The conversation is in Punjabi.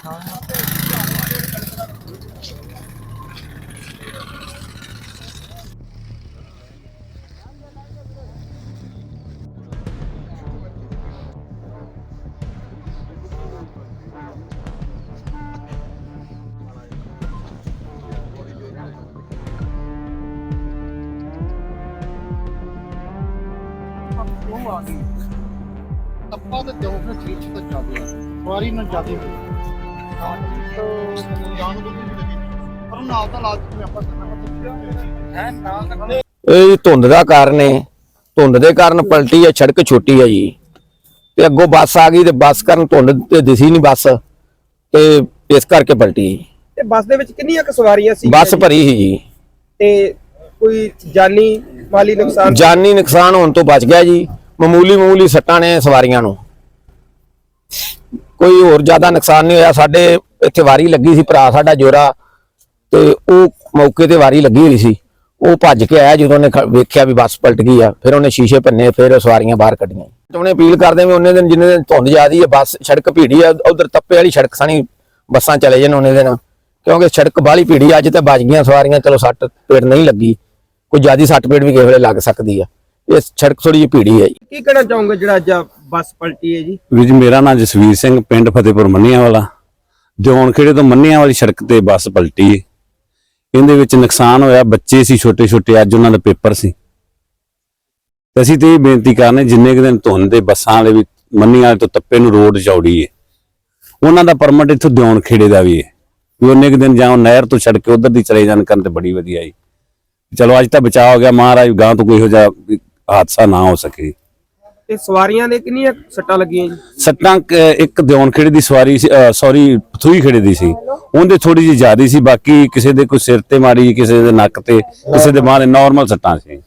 ਆਪਾਂ ਤਾਂ ਜੋ ਫਿਰ ਚੀਜ਼ ਤਾਂ ਚੱਲਦੀ ਆ ਵਾਰੀ ਨਾਲ ਜਾਂਦੀ ਜਾਣ ਨੂੰ ਪਰ ਨਾਲ ਤਾਂ ਲਾਜ ਨੂੰ ਆਪਾਂ ਹੈ ਨਾਲ ਇਹ ਧੁੰਦ ਦਾ ਕਾਰਨ ਹੈ। ਧੁੰਦ ਦੇ ਕਾਰਨ ਪਲਟੀ ਹੈ, ਸੜਕ ਛੋਟੀ ਹੈ ਜੀ ਤੇ ਅੱਗੋਂ ਬੱਸ ਆ ਗਈ ਤੇ ਬੱਸ ਕਾਰਨ ਧੁੰਦ ਤੇ ਦਿਸੀ ਨਹੀਂ ਬੱਸ ਤੇ ਇਸ ਕਰਕੇ ਪਲਟੀ। ਤੇ ਬੱਸ ਦੇ ਵਿੱਚ ਕਿੰਨੀਆਂ ਕੁ ਸਵਾਰੀਆਂ ਸੀ? ਬੱਸ ਭਰੀ ਸੀ ਜੀ। ਤੇ ਕੋਈ ਜਾਨੀ ਮਾਲੀ ਨੁਕਸਾਨ? ਜਾਨੀ ਨੁਕਸਾਨ ਹੋਣ ਤੋਂ ਬਚ ਗਿਆ ਜੀ। ਮਾਮੂਲੀ ਸੱਟਾਂ ਨੇ ਸਵਾਰੀਆਂ ਨੂੰ, ਕੋਈ ਹੋਰ ਜ਼ਿਆਦਾ ਨੁਕਸਾਨ ਨਹੀਂ ਹੋਇਆ। ਸਾਡੇ ਇੱਥੇ ਵਾਰੀ ਲੱਗੀ ਸੀ, ਭਰਾ ਸਾਡਾ ਜੋਰਾ ਤੇ ਉਹ ਮੌਕੇ ਤੇ ਵਾਰੀ ਲੱਗੀ ਹੋਈ ਸੀ। ਉਹ ਭੱਜ ਕੇ ਆਇਆ ਜਦੋਂ ਉਹਨੇ ਵੇਖਿਆ ਵੀ ਬੱਸ ਪਲਟ ਗਈ ਆ। ਫਿਰ ਉਹਨੇ ਸ਼ੀਸ਼ੇ ਭੰਨੇ, ਫਿਰ ਸਵਾਰੀਆਂ ਬਾਹਰ ਕੱਢੀਆਂ। ਉਹਨੇ ਅਪੀਲ ਕਰਦੇ ਵੀ ਉਹਨੇ ਦਿਨ ਜਿੰਨੇ ਦਿਨ ਧੁੰਦ ਜ਼ਿਆਦੀ ਹੈ, ਬੱਸ ਸੜਕ ਭੀੜੀ ਆ, ਉਧਰ ਤੱਪੇ ਵਾਲੀ ਸੜਕ ਸਾਨੀ ਬੱਸਾਂ ਚਲੇ ਜਾਣ ਉਹਨੇ ਦਿਨ, ਕਿਉਂਕਿ ਸੜਕ ਬਾਹਲੀ ਭੀੜੀ। ਅੱਜ ਤੇ ਬਚ ਗਈਆਂ ਸਵਾਰੀਆਂ, ਚਲੋ ਸੱਟ ਪੇਟ ਨਹੀਂ ਲੱਗੀ, ਕੋਈ ਜ਼ਿਆਦਾ ਸੱਟ ਪੇਟ ਵੀ ਕਿਸੇ ਵੇਲੇ ਲੱਗ ਸਕਦੀ ਆ। ਇਹ ਸੜਕ ਥੋੜੀ ਜਿਹੀ ਭੀੜੀ ਹੈ ਜੀ। ਕੀ ਕਹਿਣਾ ਚਾਹੋਗੇ ਜਿਹੜਾ ਅੱਜ ਬੱਸ ਪਲਟੀ ਹੈ ਜੀ? ਵੀਰ ਜੀ, ਮੇਰਾ ਨਾਮ ਜਸਵੀਰ ਸਿੰਘ, ਪਿੰਡ ਫਤਿਹਪੁਰ ਮੰਨੀਆਂ ਵਾਲਾ। ਦਿਉਣ ਖੇੜੇ ਤੋਂ ਮੰਨੀਆਂ ਵਾਲੀ ਸੜਕ ਤੇ ਬੱਸ ਪਲਟੀ ਹੈ। ਇਹਦੇ ਵਿੱਚ ਨੁਕਸਾਨ ਹੋਇਆ, ਬੱਚੇ ਸੀ ਛੋਟੇ, ਅੱਜ ਉਹਨਾਂ ਦਾ ਪੇਪਰ ਸੀ। ਤੇ ਅਸੀਂ ਤੇ ਇਹ ਬੇਨਤੀ ਕਰਨੇ, ਜਿੰਨੇ ਕੁ ਦਿਨ ਧੁੰਦ ਦੇ ਬੱਸਾਂ ਵਾਲੇ ਵੀ ਮੰਨੀਆਂ ਵਾਲੇ ਤੋਂ ਤੱਪੇ ਨੂੰ ਰੋਡ ਚੌੜੀ ਹੈ, ਉਹਨਾਂ ਦਾ ਪਰਮਿਟ ਇੱਥੋਂ ਦਿਉਣ ਖੇੜੇ ਦਾ ਵੀ ਹੈ ਵੀ ਉਹਨੇ ਕੁ ਦਿਨ ਜਾਂ ਨਹਿਰ ਤੋਂ ਛੱਡ ਕੇ ਉਧਰ ਦੀ ਚਲੇ ਜਾਣ ਕਰਨ ਤੇ ਬੜੀ ਵਧੀਆ ਜੀ। ਚਲੋ ਅੱਜ ਤਾਂ ਬਚਾਅ ਹੋ ਗਿਆ, ਮਹਾਰਾਜ ਗਾਂ ਤੋਂ ਕੋਈ ਇਹੋ ਜਿਹਾ ਹਾਦਸਾ ਨਾ ਹੋ ਸਕੇ। ਤੇ ਸਵਾਰੀਆਂ ਦੇ ਕਿੰਨੀਆਂ ਸੱਟਾਂ ਲੱਗੀਆਂ ਜੀ? ਸੱਟਾਂ ਇੱਕ ਦਿਉਣ ਖੇੜੇ ਦੀ ਸਵਾਰੀ ਸੀ, ਸੌਰੀ ਪਥੂਈ ਖੇੜੇ ਦੀ ਸੀ, ਉਹਦੇ ਥੋੜੀ ਜਿਹੀ ਜ਼ਿਆਦਾ ਸੀ। ਬਾਕੀ ਕਿਸੇ ਦੇ ਕੋਈ ਸਿਰ ਤੇ ਮਾਰੀ, ਕਿਸੇ ਦੇ ਨੱਕ ਤੇ, ਕਿਸੇ ਦੇ ਮਾਰੇ, ਨਾਰਮਲ ਸੱਟਾਂ ਸੀ।